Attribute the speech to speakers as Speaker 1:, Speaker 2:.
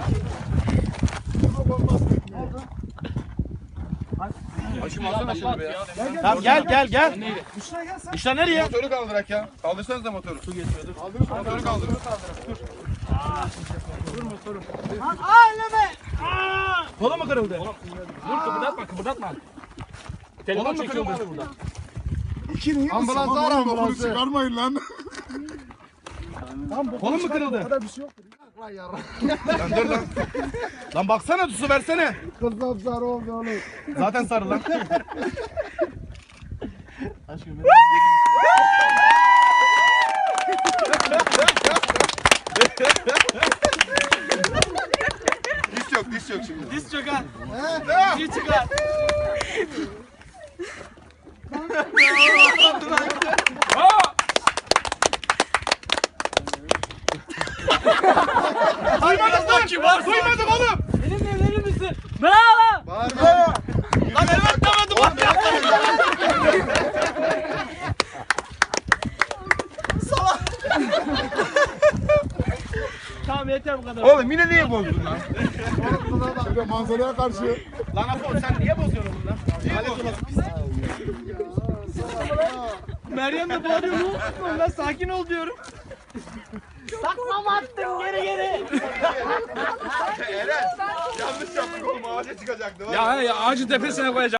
Speaker 1: Başım alsana şunu be ya.
Speaker 2: Tamam gel. İşte nereye?
Speaker 1: Motoru kaldırak ya. Kaldırsanız da motoru. Su getiriyorduk. Motoru kaldır.
Speaker 2: Kolu mu kırıldı?
Speaker 3: Dur kıpırdatma. Telefon çekiyor burada.
Speaker 1: Ambulansı ara ambulansı. Çıkarmayın lan.
Speaker 2: Kolun mu kırıldı? Lan dur lan. Lan baksana su versene.
Speaker 1: Kızım sarı oldu oğlum.
Speaker 2: Zaten sarı lan.
Speaker 1: Diz yok şimdi.
Speaker 3: Diz çöker. Diz çıkar.
Speaker 2: Duymadık lan. Duymadık oğlum.
Speaker 3: Benimle evlenir misin? Bravo.
Speaker 1: Bağırma.
Speaker 2: Lan evet demedim lan.
Speaker 3: Tamam yeter bu kadar.
Speaker 1: Oğlum yine niye bozdun lan? Şöyle manzaraya karşı.
Speaker 2: Lan Apo sen niye bozuyorsun bunu lan?
Speaker 3: Meryem de bağırıyor. Ne oldu? Ben sakin ol diyorum. Takmam attım geri.
Speaker 1: Eren yanlış yaptık oğlum ağaca çıkacaktı.
Speaker 3: Ya ağacın tepesine koyacağım.